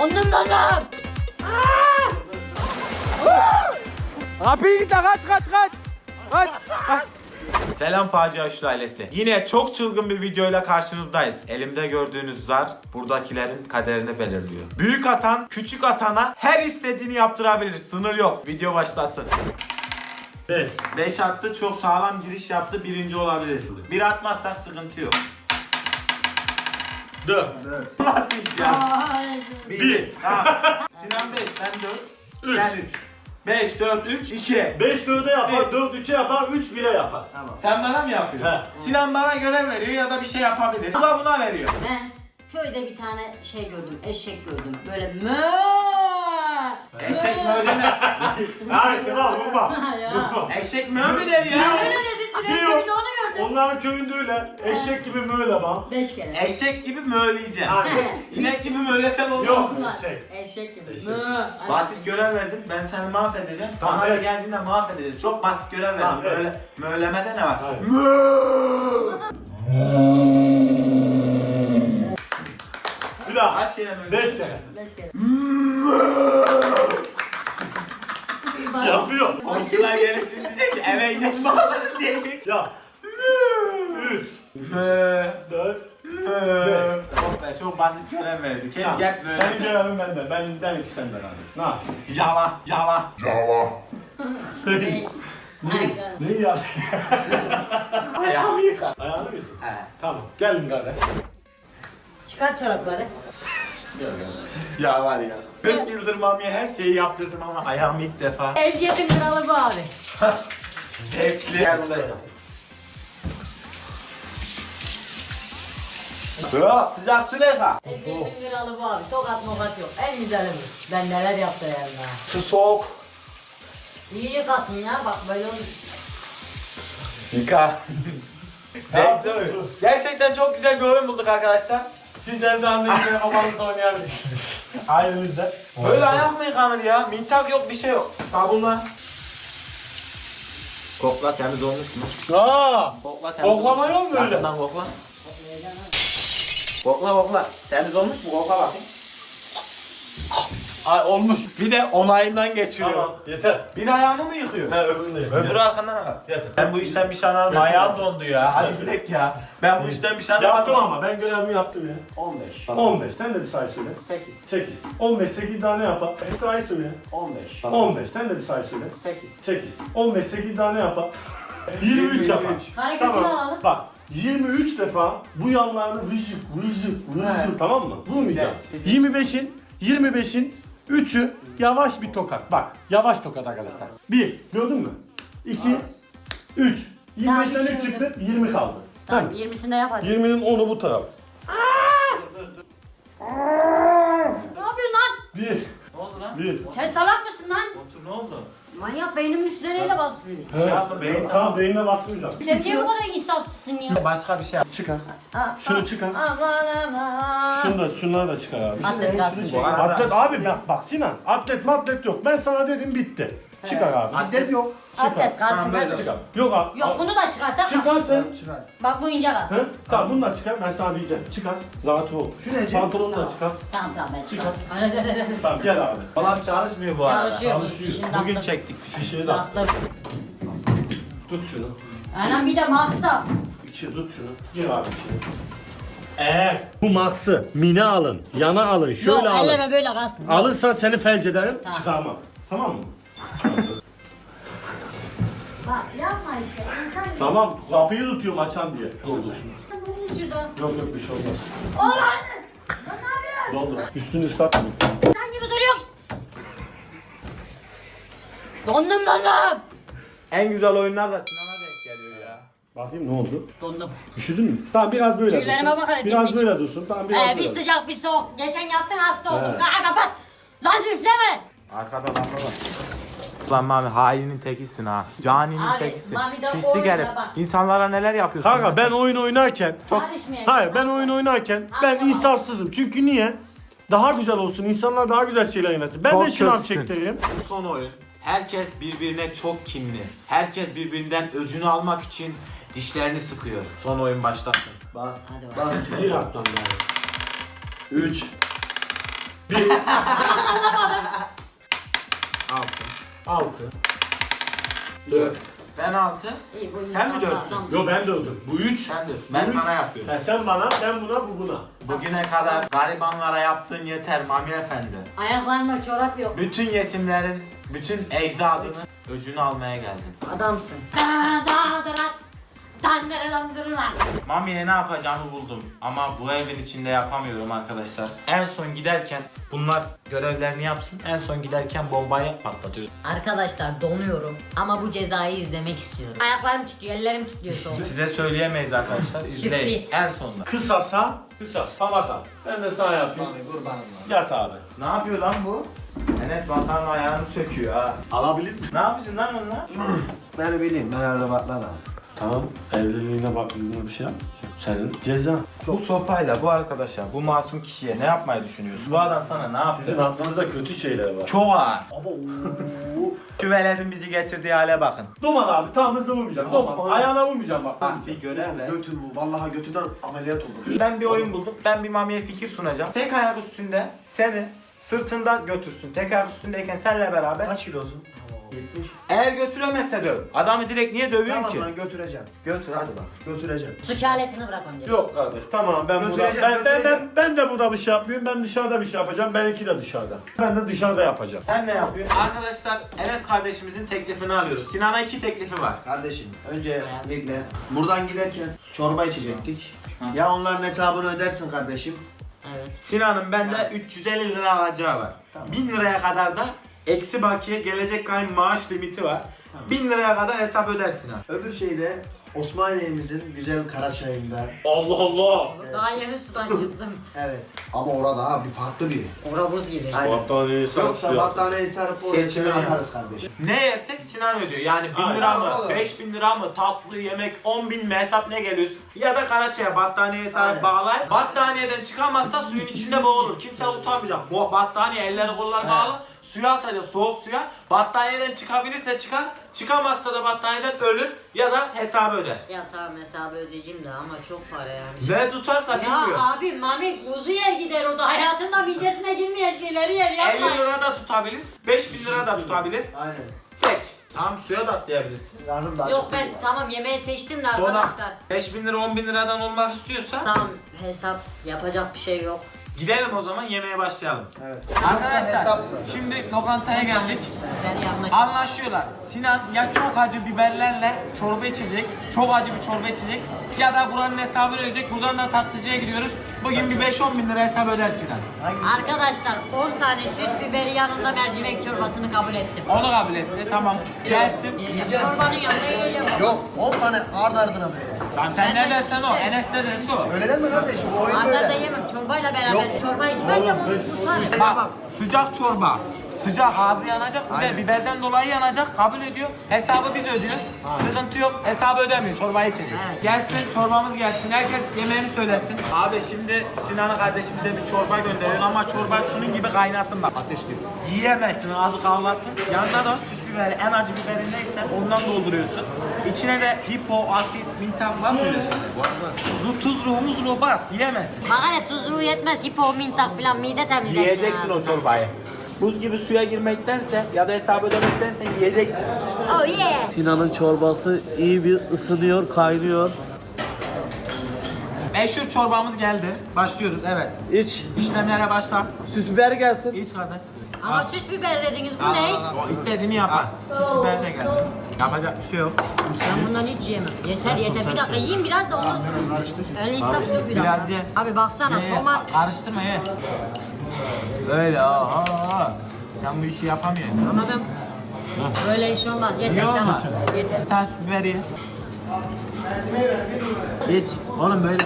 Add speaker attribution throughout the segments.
Speaker 1: Dondum.
Speaker 2: Kapıyı git lan, kaç. Kaç.
Speaker 3: Selam Facia Üçlü ailesi. Yine çok çılgın bir videoyla karşınızdayız. Elimde gördüğünüz zar buradakilerin kaderini belirliyor. Büyük atan küçük atana her istediğini yaptırabilir. Sınır yok. Video başlasın. 5 attı, çok sağlam giriş yaptı, birinci olabilir. Bir atmazsak sıkıntı yok. 4. Nasıl iş ya? 1. Tamam. Sinan 5, ben 4. Sen 3. 5, 4, 3, 2.
Speaker 4: 5 4'e yapar, 4 3'e yapar, 3 1'e yapar.
Speaker 5: Tamam.
Speaker 3: Sen bana mı yapıyorsun?
Speaker 4: He.
Speaker 3: Sinan bana görev veriyor ya da bir şey yapabilir. Bu da buna veriyor.
Speaker 1: Ben köyde bir tane şey gördüm, eşek gördüm. Böyle mö.
Speaker 3: Eşek mi öyle mi?
Speaker 4: Hayır kral vurma.
Speaker 1: Ya.
Speaker 3: Eşek mi öyle der ya?
Speaker 1: Öyle dedi, sürekli
Speaker 4: Diyor.
Speaker 1: bir de onu gördüm.
Speaker 4: Onların köyünde öyle. Eşek gibi böyle bak.
Speaker 1: 5 kere.
Speaker 3: Eşek gibi möyleyeceksin.
Speaker 4: Aynen.
Speaker 3: İnek gibi möylesen olur.
Speaker 4: Yok.
Speaker 1: Bunlar.
Speaker 4: Şey.
Speaker 1: Eşek gibi.
Speaker 4: Eşek.
Speaker 1: Mö.
Speaker 3: Basit görev verdin, ben seni mahvedeceğim.
Speaker 4: Tamam,
Speaker 3: Sana da
Speaker 4: evet.
Speaker 3: geldiğinde mahvedeceğim. Çok basit görev verdim.
Speaker 4: Tamam, evet.
Speaker 3: Böyle mölemede ne var?
Speaker 4: Hayır. Bir daha.
Speaker 3: Kaç kere möle?
Speaker 4: 5 kere.
Speaker 1: 5 kere.
Speaker 4: Yapıyor.
Speaker 3: Komşular gelip şimdi diyecek ki eve inek mi alırız diyecek.
Speaker 4: Ya. 3
Speaker 3: Mö.
Speaker 4: 4
Speaker 3: Mö. Çok be, çok basit görev verdi. Kes gel böyle.
Speaker 4: Senin görevin benden. Ben iki senden abi. Ne yapayım?
Speaker 3: Yala.
Speaker 1: Aynen.
Speaker 4: Ne ya?
Speaker 3: Ayağımı yıka.
Speaker 4: Ayağını mı yıkadın?
Speaker 3: He.
Speaker 4: Tamam. Gelin kardeş.
Speaker 1: Çıkart çorapları.
Speaker 3: Ya var ya. 40 yıldır mamiye her şeyi yaptırdım ama ayağımı ilk defa.
Speaker 1: Ezgiyetin kralı bu abi.
Speaker 3: Zevkli. Gel buraya. Sıcak Süleyha.
Speaker 1: Ezgiyetin kralı bu abi. Tokat mokat yok. En güzeli bu. Ben neler yaptı yanına.
Speaker 3: Su soğuk.
Speaker 1: İyi yıkasın ya bak böyle olur.
Speaker 3: Yıka. Zevkli. Gerçekten çok güzel bir oyun bulduk arkadaşlar.
Speaker 4: Siz de evde annenizle babanızla oynayabilirsiniz. Ailenizde.
Speaker 3: Böyle ayak mı yıkanır ya? Mintak yok, bir şey yok. Sabunla. Kokla, temiz olmuş mu?
Speaker 4: Aa!
Speaker 3: Kokla, temiz
Speaker 4: Koklama
Speaker 3: olmuş.
Speaker 4: yok mu öyle?
Speaker 3: Yakından kokla. Kokla. Temiz olmuş mu? Kokla bakayım.
Speaker 4: Ay olmuş.
Speaker 3: Bir de onayından geçiriyor.
Speaker 4: Tamam. Yeter.
Speaker 3: Bir ayağını mı yıkıyor?
Speaker 4: Ha öbürünü de yeter.
Speaker 3: Öbürü arkandan al.
Speaker 4: Yeter.
Speaker 3: Ben bu işten bir şey anlamadım.
Speaker 4: Yeter.
Speaker 3: Ayağım dondu ya. Hadi gidelim ya. Ben bu işten bir şey
Speaker 4: Yaptım
Speaker 3: anlamadım.
Speaker 4: ama ben görevimi yaptım ya.
Speaker 5: 15.
Speaker 4: 15. Sen de bir sayı söyle.
Speaker 5: 8.
Speaker 4: 8. 15 8 tane yapar. Bir sayı söyle.
Speaker 5: 15.
Speaker 4: 15. Sen de bir sayı söyle.
Speaker 5: 8.
Speaker 4: 8. 15 8 tane yapar. 23 yapar.
Speaker 1: Hareketini alalım.
Speaker 4: Bak 23 defa bu yanlarını vıcık tamam mı? Vurmayacaksın. 25'in 3'ü yavaş bir tokat. Bak yavaş tokat arkadaşlar. 1 gördün mü? 2 3
Speaker 1: Daha
Speaker 4: 25'ten
Speaker 1: bir şey
Speaker 4: 3 çıktı 20 kaldı.
Speaker 1: Tamam
Speaker 4: Tamam.
Speaker 1: 20'sinde yap hadi.
Speaker 4: 20'nin 10'u bu taraf.
Speaker 1: Ne yapıyorsun lan?
Speaker 4: 1
Speaker 3: Ne oldu lan?
Speaker 4: 1
Speaker 1: Sen salak mısın lan?
Speaker 3: Otur, ne oldu?
Speaker 1: Manyak beynimin üstüne neyle bastırıyor?
Speaker 3: Şey yapma, beyin
Speaker 4: Tamam beynine bastıracağım.
Speaker 1: Sen niye bu kadar insafsızsın ya?
Speaker 3: Başka bir şey yap.
Speaker 4: Çıkar.
Speaker 1: Ha,
Speaker 4: Şunu
Speaker 1: ha,
Speaker 4: çıkar.
Speaker 1: Aman aman.
Speaker 4: Şunları da çıkar abi.
Speaker 1: Atlet kalsın.
Speaker 3: Bu arada-
Speaker 4: Atlet abi bak Sinan atlet yok. Ben sana dedim bitti. Çıkar abi.
Speaker 5: Atlet yok.
Speaker 1: Atlet kalsın
Speaker 3: Tamam, böyle
Speaker 1: kardeşim.
Speaker 4: Yok abi.
Speaker 1: Yok bunu da çıkart tamam.
Speaker 4: Çıkar sen.
Speaker 5: Çıkar.
Speaker 1: Bak bu ince kalsın.
Speaker 4: Hı? Tamam bunu da çıkar. Ben sana diyeceğim. Çıkar. Zatı ol.
Speaker 5: Şu nece?
Speaker 4: Pantolonu da çıkar.
Speaker 1: Tamam ben
Speaker 4: Çıkar.
Speaker 1: çıkart.
Speaker 4: Tamam gel abi.
Speaker 3: Falan çalışmıyor bu arada.
Speaker 1: Çalışıyor.
Speaker 4: Çalışıyor.
Speaker 1: İşini
Speaker 3: Bugün
Speaker 1: yaptım.
Speaker 3: çektik.
Speaker 4: Fişini de at.
Speaker 1: Yaptım.
Speaker 4: Tut şunu.
Speaker 1: Anam bir de Max da.
Speaker 4: Tut şunu. Gir abi içine. Bu Max'ı mine alın. Yana alın. Şöyle
Speaker 1: Yok
Speaker 4: alın.
Speaker 1: elleme böyle kalsın.
Speaker 4: Alırsan seni felç ederim.
Speaker 1: Tamam.
Speaker 4: Çıkarmam. Tamam mı?
Speaker 1: Bak yapma işte. İnsan
Speaker 4: Tamam. Kapıyı tutuyorum açan diye. Doldur şunu.
Speaker 1: bunu şuradan.
Speaker 4: Yok bir şey olmaz.
Speaker 1: Ulan! Sen ne yapıyorsun?
Speaker 4: Doldur. Üstünü ıslatma.
Speaker 1: Sen gibi duruyorsun. Dondum.
Speaker 3: En güzel oyunlar da Sinan'a denk geliyor ya.
Speaker 4: Bakayım ne oldu?
Speaker 1: Dondum.
Speaker 4: Üşüdün mü? Tamam biraz böyle
Speaker 1: Tüylerime
Speaker 4: dursun.
Speaker 1: bak hele,
Speaker 4: Biraz
Speaker 1: dimdik.
Speaker 4: böyle dursun. Tamam biraz
Speaker 1: Bir
Speaker 4: böyle.
Speaker 1: sıcak bir soğuk. Geçen yaptın hasta oldun.
Speaker 4: He.
Speaker 1: Kaka kapat. Lan üfleme.
Speaker 3: Arkada lamba var. Lan Mami hainin tekisin ha. Caninin
Speaker 1: Abi,
Speaker 3: tekisin.
Speaker 1: Mami de
Speaker 3: Pislik
Speaker 1: oyuna
Speaker 3: herif.
Speaker 1: bak.
Speaker 3: İnsanlara neler yapıyorsun?
Speaker 4: Kanka ben oyun oynarken
Speaker 1: Karışmayacağım.
Speaker 4: hayır ben oyun oynarken ben
Speaker 1: Tamam.
Speaker 4: insafsızım. Çünkü niye? Daha güzel olsun. İnsanlar daha güzel şeyler oynasın. Ben
Speaker 3: Çok
Speaker 4: de şınav
Speaker 3: kötüsün.
Speaker 4: çektiririm.
Speaker 3: Bu son oyun. Herkes birbirine çok kinli. Herkes birbirinden öcünü almak için dişlerini sıkıyor. Son oyun başlasın.
Speaker 5: Bak.
Speaker 1: Hadi bak.
Speaker 5: Bak.
Speaker 4: Bir attan daha. 3
Speaker 3: 6.
Speaker 4: 4.
Speaker 3: Ben 6.
Speaker 1: İyi, bu
Speaker 3: Sen mi
Speaker 1: insan
Speaker 3: diyorsun?
Speaker 1: sağlam.
Speaker 4: Yo ben dördüm. Bu 3.
Speaker 3: Sen diyorsun. Ben sana yapıyorum.
Speaker 4: Sen bana, ben buna, bu buna.
Speaker 3: Bugüne kadar garibanlara yaptığın yeter Mami Efendi.
Speaker 1: Ayaklarında çorap yok.
Speaker 3: Bütün yetimlerin, bütün ecdadının öcünü almaya geldim.
Speaker 1: Adamsın.
Speaker 3: Mami'ye ne yapacağımı buldum ama bu evin içinde yapamıyorum arkadaşlar. En son giderken bunlar görevlerini yapsın. En son giderken bombayı patlatıyoruz.
Speaker 1: Arkadaşlar donuyorum ama bu cezayı izlemek istiyorum. Ayaklarım titriyor, ellerim titriyor soğuk.
Speaker 3: Size söyleyemeyiz arkadaşlar. İzleyin.
Speaker 1: Sürpriz.
Speaker 3: En sonunda.
Speaker 4: Kısasa, kısas. Falaka. Ben de sana yapayım.
Speaker 5: Abi kurbanım lan.
Speaker 4: Yat abi.
Speaker 3: Ne yapıyor lan bu? Enes masanın ayağını söküyor ha.
Speaker 4: Alabilir miyim?
Speaker 3: Ne yapacaksın lan onunla?
Speaker 5: Ben bileyim, ben öyle bakmadım.
Speaker 4: Tamam. Evliliğine baktığında bir şey yap. Senin ceza.
Speaker 3: Bu sopayla bu arkadaşa, bu masum kişiye ne yapmayı düşünüyorsun? Bu adam sana ne yaptı?
Speaker 4: Sizin aklınızda kötü şeyler var.
Speaker 3: Çok ağır. Şu veledin bizi getirdiği hale bakın.
Speaker 4: Doman abi, tam hızlı vurmayacağım. Doman. Ayağına vurmayacağım bak.
Speaker 3: Bak bir görev ver.
Speaker 5: Götür bu, vallahi götünden ameliyat olur.
Speaker 3: Ben bir oyun buldum. Ben bir Mami'ye fikir sunacağım. Tek ayak üstünde seni sırtında götürsün. Tek ayak üstündeyken seninle beraber.
Speaker 5: Kaç kilosun? 70.
Speaker 3: Eğer götüremezse döv. Adamı direkt niye dövüyorsun
Speaker 5: Tamam
Speaker 3: ki?
Speaker 5: lan götüreceğim.
Speaker 3: Götür hadi bak.
Speaker 5: Götüreceğim.
Speaker 1: Suç aletini bırak önce.
Speaker 4: Yok kardeş, tamam ben burada
Speaker 5: Götüreceğim.
Speaker 4: ben de burada bir şey yapıyorum. Ben dışarıda bir şey yapacağım. Benimki de dışarıda. Ben de dışarıda yapacağım.
Speaker 3: Sen ne yapıyorsun? Arkadaşlar Enes kardeşimizin teklifini alıyoruz. Sinan'a 2 teklifi var.
Speaker 5: Kardeşim, önce bekle. Buradan giderken çorba içecektik. Ya onların hesabını ödersin kardeşim.
Speaker 1: Evet.
Speaker 3: Sinan'ın bende 350 lira alacağı var.
Speaker 5: Tamam.
Speaker 3: 1000 liraya kadar da eksi bakiye gelecek kayın maaş limiti var.
Speaker 5: Tamam.
Speaker 3: 1000 liraya kadar hesap ödersin ha.
Speaker 5: Öbür şeyde Osmaniye'mizin güzel kara çayında.
Speaker 4: Allah Allah.
Speaker 1: Daha yeni sudan çıktım.
Speaker 5: Evet. Ama orada ha bir farklı bir.
Speaker 1: Ora buz gibi.
Speaker 5: Aynen.
Speaker 4: Battaniyeyi
Speaker 5: Yoksa battaniyeyi sarıp oraya
Speaker 3: Seçimi
Speaker 5: içine
Speaker 3: yani.
Speaker 5: atarız kardeşim.
Speaker 3: Ne yersek Sinan ödüyor. Yani 1000
Speaker 4: Aynen.
Speaker 3: lira mı,
Speaker 5: Tamam, olur.
Speaker 3: 5000 lira mı, tatlı yemek, 10.000 mi hesap ne geliyorsun? Ya da Karaçay'a battaniyeye sahip
Speaker 5: Aynen.
Speaker 3: bağlar. Battaniyeden çıkamazsa suyun içinde boğulur. Kimse utanmayacak. Bu battaniye elleri kolları bağlı. Suya atacağız, soğuk suya. Battaniyeden çıkabilirse çıkar. Çıkamazsa da battaniyeden ölür ya da hesabı öder.
Speaker 1: Ya tamam hesabı ödeyeceğim de ama çok para yani.
Speaker 3: Ve tutarsa
Speaker 1: Ya
Speaker 3: bilmiyor.
Speaker 1: abi Mami kuzu yer gider o da hayatında midesine girmeyen şeyleri yer
Speaker 3: 50
Speaker 1: yapma.
Speaker 3: lira da tutabilir, 5000 lira da tutabilir.
Speaker 5: Aynen.
Speaker 3: Seç. Tamam suya da atlayabilirsin.
Speaker 5: Karnım daha
Speaker 1: Yok
Speaker 5: çok
Speaker 1: ben
Speaker 5: doydu.
Speaker 1: tamam yemeği seçtim de
Speaker 3: Sonra
Speaker 1: arkadaşlar.
Speaker 3: 5000 lira 10.000 liradan olmak istiyorsa
Speaker 1: Tamam hesap yapacak bir şey yok.
Speaker 3: gidelim o zaman yemeğe başlayalım.
Speaker 5: Evet.
Speaker 3: Arkadaşlar
Speaker 5: Hesaplı.
Speaker 3: şimdi lokantaya geldik.
Speaker 1: Ben yanına
Speaker 3: Anlaşıyorlar. Sinan ya çok acı biberlerle çorba içecek, çok acı bir çorba içecek ya da buranın hesabını ödeyecek. Buradan da tatlıcıya gidiyoruz. Bugün bir 5-10 bin lira hesap öder Sinan.
Speaker 1: Arkadaşlar 10 tane süs biberi yanında mercimek çorbasını kabul ettim.
Speaker 3: Onu kabul etti. Tamam. Gelsin.
Speaker 5: Yiyeceğim.
Speaker 1: Çorbanın yanında yiyeceğim.
Speaker 5: Yok 10 tane ard ardına böyle.
Speaker 3: Tamam sen ne
Speaker 1: Ben de
Speaker 3: dersen o.
Speaker 1: işte.
Speaker 3: Enes ne derse o.
Speaker 5: Öyle değil mi kardeşim? Bu oyun
Speaker 1: Arda da
Speaker 5: böyle.
Speaker 1: yemem çorbayla beraber.
Speaker 5: Yok.
Speaker 1: Çorba içmezse bu tutar.
Speaker 3: Bak sıcak çorba. Sıcak ağzı yanacak bir de
Speaker 5: Aynen.
Speaker 3: biberden dolayı yanacak kabul ediyor. Hesabı biz ödüyoruz. Sıkıntı yok. Hesabı ödemiyor. Çorbayı içecek.
Speaker 1: Evet.
Speaker 3: Gelsin çorbamız gelsin. Herkes yemeğini söylesin. Abi şimdi Sinan'ın kardeşimize bir çorba gönderiyor ama çorba şunun gibi kaynasın bak ateş gibi. Yiyemezsin ağzı kavrulsın. Yanına da süs biberi en acı biberin neyse ondan dolduruyorsun. İçine de hipo, asit, mintak var mı öyle şeyler? Bu tuz ruhu bas yiyemezsin.
Speaker 1: Bana ne tuzluğu yetmez hipo mintak filan mide temizlesin.
Speaker 3: Yiyeceksin
Speaker 1: abi.
Speaker 3: o çorbayı. Buz gibi suya girmektense ya da hesabı ödemektense yiyeceksin.
Speaker 1: Oh yeah.
Speaker 6: Sinan'ın çorbası iyi bir ısınıyor, kaynıyor.
Speaker 3: Meşhur çorbamız geldi. Başlıyoruz evet.
Speaker 6: İç.
Speaker 3: İşlemlere başla.
Speaker 6: Süs biber gelsin.
Speaker 3: İç kardeş.
Speaker 1: Ama süs biber dediniz bu ne?
Speaker 3: O istediğini yapar. Süs biber de geldi. Yapacak bir şey yok.
Speaker 1: Ben bundan hiç yiyemem. Yeter yeter. Bir dakika yiyeyim biraz da ondan sonra. Öyle insaf yok bir dakika.
Speaker 3: Biraz ye.
Speaker 1: Abi baksana
Speaker 3: Ye, ye.
Speaker 1: tomat.
Speaker 3: Karıştırma ye. Böyle sen bu işi yapamıyorsun.
Speaker 1: Ama ben böyle iş olmaz. Yeter
Speaker 3: Yiyor
Speaker 1: tamam.
Speaker 3: musun?
Speaker 1: Yeter.
Speaker 3: Bir tane süs biber ye. İç. Oğlum böyle.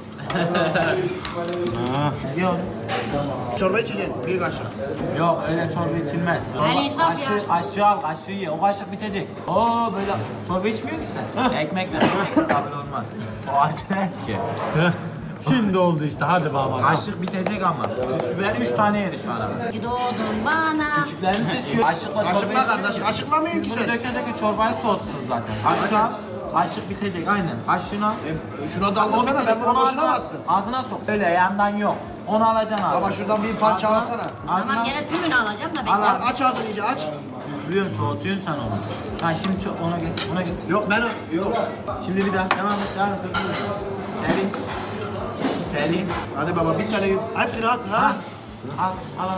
Speaker 3: Ye oğlum.
Speaker 5: Çorba içeceksin bir kaşık.
Speaker 3: Yok öyle çorba içilmez.
Speaker 1: El insaf ya.
Speaker 3: Kaşığı al kaşığı ye. O kaşık bitecek. Oo böyle çorba içmiyor ki sen. Ekmekle kabul olmaz. O acayip ki.
Speaker 4: Şimdi oldu işte, hadi baba.
Speaker 3: Kaşık bitecek ama. Süs biber 3 tane yedi şu ana.
Speaker 1: Ki doğdun bana.
Speaker 3: Küçüklerini seçiyor. Kaşıkla çorba
Speaker 5: Kaşıkla
Speaker 3: içmiyor.
Speaker 5: kardeş, kaşıkla mı
Speaker 3: Siz bunu
Speaker 5: güzel?
Speaker 3: döke döke çorbayı soğuttunuz zaten. Kaşığı al. Kaşık bitecek aynen. Kaşığına.
Speaker 5: Şuna daldırsana, ben bunu boşuna mı attım?
Speaker 3: Ağzına sok. Öyle yandan yok. Onu alacaksın abi.
Speaker 5: Baba şuradan bir parça alsana.
Speaker 1: Tamam gene tümünü alacağım da bekle.
Speaker 3: Al.
Speaker 5: Aç ağzını iyice aç.
Speaker 3: Biliyorsun soğutuyorsun sen onu. Ha şimdi ona geç. Ona geç.
Speaker 5: Yok ben yok.
Speaker 3: Şimdi bir daha devam et. Devam et. Selin. Selin.
Speaker 5: Hadi baba bir tane hepsini at ha.
Speaker 3: Al.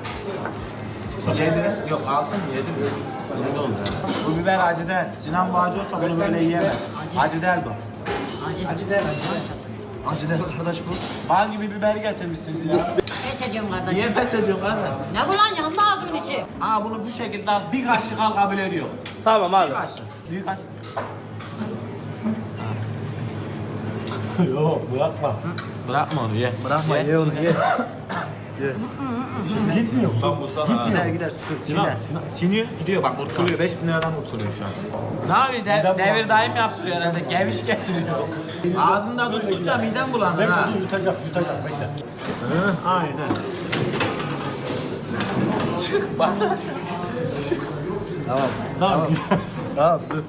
Speaker 3: 7. Yok 6 mı? 7 mi? 7 oldu. Bu biber acı değil. Sinan bu acı olsa bunu böyle yiyemez. Acı değil bu.
Speaker 1: Acı.
Speaker 5: Acı ne arkadaş bu?
Speaker 3: Bal gibi biberi getirmişsin ya.
Speaker 1: Pes ediyorum kardeşim.
Speaker 3: Niye pes ediyorsun kardeş?
Speaker 1: Ne bu lan yandı ağzımın içi.
Speaker 3: Aa bunu bu şekilde al. Bir kaşık al kabul ediyor.
Speaker 2: Tamam abi.
Speaker 3: Bir kaşık. Büyük kaşık.
Speaker 4: Yok bırakma.
Speaker 3: Bırakma onu ye.
Speaker 5: Bırakma ye onu ye.
Speaker 4: Gitmiyor.
Speaker 3: Gider. Çiğner. Çiğniyor. Gidiyor bak kurtuluyor. 5000 liradan kurtuluyor şu an. Ne yapıyor? Devir daim yaptırıyor herhalde. Geviş getiriyor. Ağzında tuttukça midem bulanır
Speaker 4: Bekle
Speaker 3: ha.
Speaker 4: dur yutacak bekle. Aynen. Tamam.
Speaker 5: Tamam dur.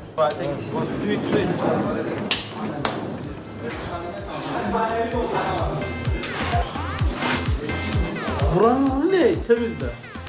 Speaker 2: Buranın ne? Temizle.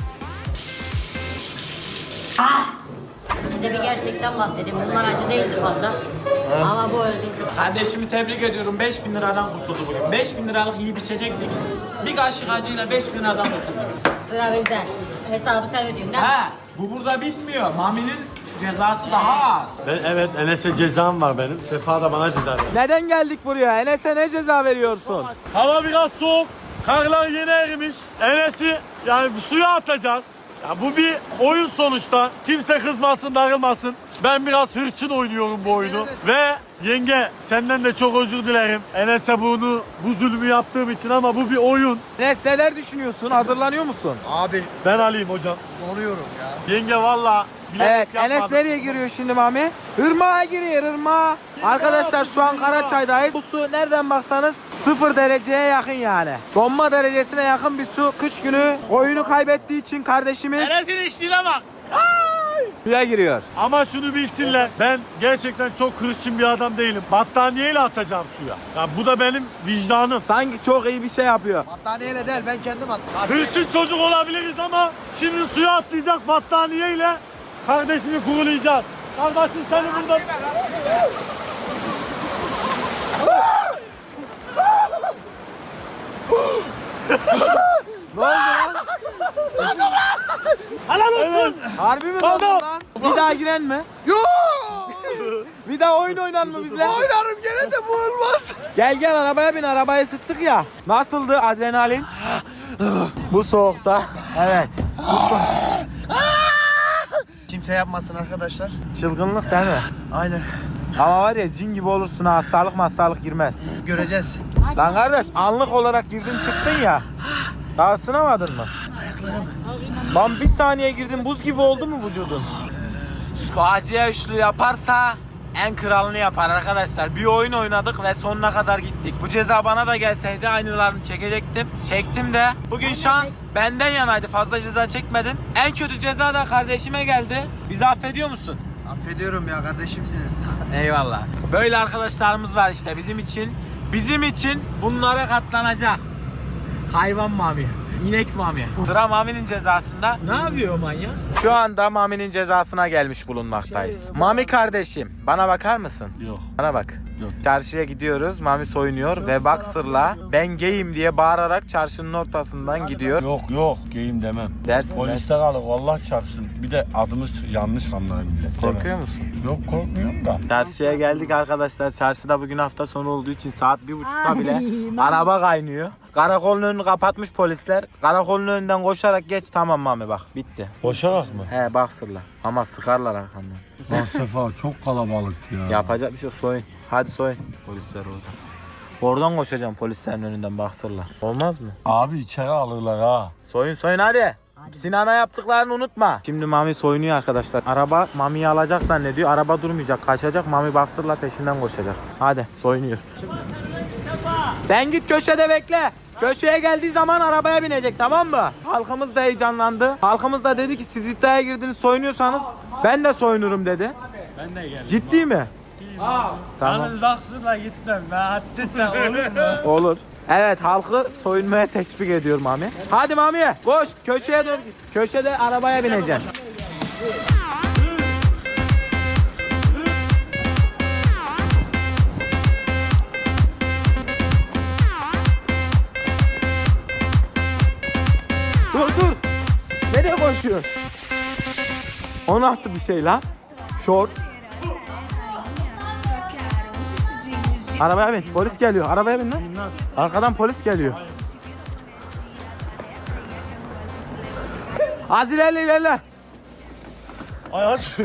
Speaker 1: Size bir gerçekten bahsedeyim. Bunlar acı değildi fazla. Ama bu öldürdü.
Speaker 3: Kardeşimi tebrik ediyorum. 5000 liradan kurtuldu bugün. 5000 liralık yiyip içecektik. Bir kaşık acıyla 5000 liradan kurtuldu.
Speaker 1: Sıra bizden. Hesabı sen ödüyorsun değil mi?
Speaker 3: Ha, bu burada bitmiyor. Mami'nin cezası daha ağır.
Speaker 4: Evet Enes'e cezam var benim. Sefa da bana ceza ver.
Speaker 2: Neden geldik buraya? Enes'e ne ceza veriyorsun?
Speaker 4: Hava biraz soğuk. Karlar yeni erimiş. Enes'i yani suya atacağız. Ya bu bir oyun sonuçta. Kimse kızmasın, darılmasın. Ben biraz hırçın oynuyorum bu oyunu. Ve yenge senden de çok özür dilerim. Enes'e bu zulmü yaptığım için ama bu bir oyun.
Speaker 2: Enes neler düşünüyorsun? Hazırlanıyor musun?
Speaker 5: Abi
Speaker 4: Ben alayım hocam.
Speaker 5: donuyorum ya.
Speaker 4: Yenge valla
Speaker 2: Evet,
Speaker 4: bilerek
Speaker 2: Enes
Speaker 4: yapmadım.
Speaker 2: nereye giriyor şimdi Mami? Irmağa giriyor, ırmağa. Arkadaşlar şu an Karaçay'dayız. Bu su nereden baksanız 0 dereceye yakın yani. Donma derecesine yakın bir su. Kış günü oyunu kaybettiği için kardeşimiz
Speaker 4: Enes'in içtiğine bak.
Speaker 2: suya giriyor.
Speaker 4: Ama şunu bilsinler, ben gerçekten çok hırçın bir adam değilim. Battaniyeyle atacağım suya. Ya bu da benim vicdanım.
Speaker 2: Sanki çok iyi bir şey yapıyor.
Speaker 5: Battaniyeyle değil ben kendim attım.
Speaker 4: Hırçın çocuk olabiliriz ama şimdi suya atlayacak battaniyeyle kardeşimi kurulayacağız. Kardeşim seni burada... Helal olsun.
Speaker 2: Harbi mi
Speaker 4: Tamam.
Speaker 2: lan? Bir daha giren mi? Bir daha oyun oynar mı bizle?
Speaker 5: Oynarım gene de bu olmaz.
Speaker 2: Gel arabaya bin, arabayı sıktık ya. Nasıldı adrenalin? Bu soğukta. Evet.
Speaker 5: Kimse yapmasın arkadaşlar.
Speaker 2: Çılgınlık değil mi?
Speaker 5: Aynen.
Speaker 2: Ama var ya cin gibi olursun ha, hastalık girmez.
Speaker 5: Göreceğiz.
Speaker 2: Lan kardeş anlık olarak girdin çıktın ya. Daha ısınamadın mı? Lan bir saniye girdin buz gibi oldu mu vücudun? Facia üçlü yaparsa en kralını yapar arkadaşlar. Bir oyun oynadık ve sonuna kadar gittik. Bu ceza bana da gelseydi aynılarını çekecektim. Çektim de. Bugün şans benden yanaydı. Fazla ceza çekmedim. En kötü ceza da kardeşime geldi. Bizi affediyor musun?
Speaker 5: Affediyorum ya kardeşimsiniz.
Speaker 2: Eyvallah. Böyle arkadaşlarımız var işte bizim için bunlara katlanacak. Hayvan Mami. İnek Mami. Sıra Mami'nin cezasında. Ne yapıyor manyak? Şu anda Mami'nin cezasına gelmiş bulunmaktayız. Mami kardeşim bana bakar mısın?
Speaker 4: Yok.
Speaker 2: Bana bak. Çarşıya gidiyoruz. Mami soyunuyor ve boxer'la ben gayim diye bağırarak çarşının ortasından gidiyor.
Speaker 4: Yok geyim demem.
Speaker 2: Dersin.
Speaker 4: Poliste kalır Allah çarpsın. Bir de adımız yanlış anlar millet.
Speaker 2: Korkuyor
Speaker 4: Demem.
Speaker 2: musun?
Speaker 4: Yok korkmuyorum da.
Speaker 2: Çarşıya geldik arkadaşlar. Çarşıda bugün hafta sonu olduğu için saat 1.30'da bile araba kaynıyor. Karakolun önünü kapatmış polisler. Karakolun önünden koşarak geç, tamam Mami bak bitti.
Speaker 4: Boşarak mı?
Speaker 2: He boxer'la. Ama sıkarlar arkandan.
Speaker 4: Lan Sefa çok kalabalık ya.
Speaker 2: Yapacak bir şey yok, soyun. Hadi soyun. Polisler orada. Oradan koşacağım polislerin önünden boxer'la. Olmaz mı?
Speaker 4: Abi içeri alırlar ha.
Speaker 2: Soyun hadi. Sinan'a yaptıklarını unutma. Şimdi Mami soyunuyor arkadaşlar. Araba Mami'yi alacak zannediyor. Araba durmayacak, kaçacak. Mami boxer'la peşinden koşacak. Hadi soyunuyor. Sen git köşede bekle. Köşeye geldiği zaman arabaya binecek, tamam mı? Halkımız da heyecanlandı. Halkımız da dedi ki siz iddiaya girdiniz, soyunuyorsanız ben de soyunurum dedi.
Speaker 4: Ben de geldim.
Speaker 2: Ciddi mi? Tamam.
Speaker 6: Yalnız baksınlar gitmem. Ben haddinle olur mu?
Speaker 2: Olur. Evet, halkı soyunmaya teşvik ediyor Mami. Hadi Mami koş, köşeye doğru git. Köşede arabaya bineceksin. Dur. Nereye koşuyorsun? O nasıl bir şey lan? Short. Arabaya bin. Polis geliyor. Arabaya bin lan. Arkadan polis geliyor. Az ilerle.
Speaker 4: Ay aç.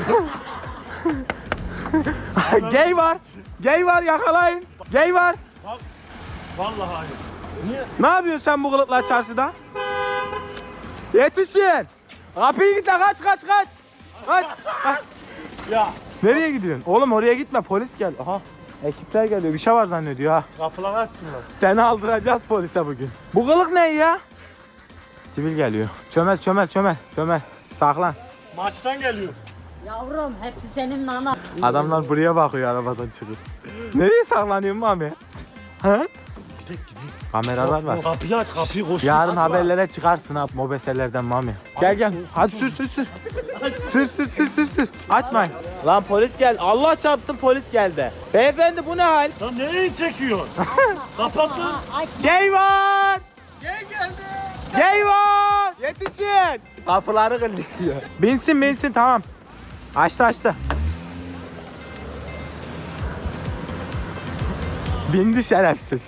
Speaker 2: Gay var yakalayın. Gay var.
Speaker 4: Vallahi hayır.
Speaker 2: Ne yapıyorsun sen bu kılıkla çarşıda? Yetişin. Kapıyı git lan, kaç. Kaç.
Speaker 4: Ya
Speaker 2: Nereye gidiyorsun? Oğlum oraya gitme, polis gel. Aha. Ekipler geliyor. Bir şey var zannediyor ha.
Speaker 4: kapıları açsınlar.
Speaker 2: Seni aldıracağız polise bugün. Bu kılık ne ya? Sivil geliyor. Çömel. Saklan.
Speaker 4: Maçtan geliyor.
Speaker 1: Yavrum hepsi senin nana.
Speaker 2: Adamlar buraya bakıyor arabadan çıkıp. Nereye saklanıyorsun Mami? Ha? Kameralar var.
Speaker 4: Kapıyı aç, kapıyı koş.
Speaker 2: Yarın haberlere çıkarsın abi mobeselerden Mami. Gel. Hadi sür. Sür. Açmayın. Lan polis gel. Allah çarpsın polis geldi. Beyefendi bu ne hal?
Speaker 4: Lan neyi çekiyorsun? Kapat lan.
Speaker 2: Gay var. Gay var. Yetişin. Kapıları kırılıyor. Binsin tamam. Açtı. Bindi şerefsiz.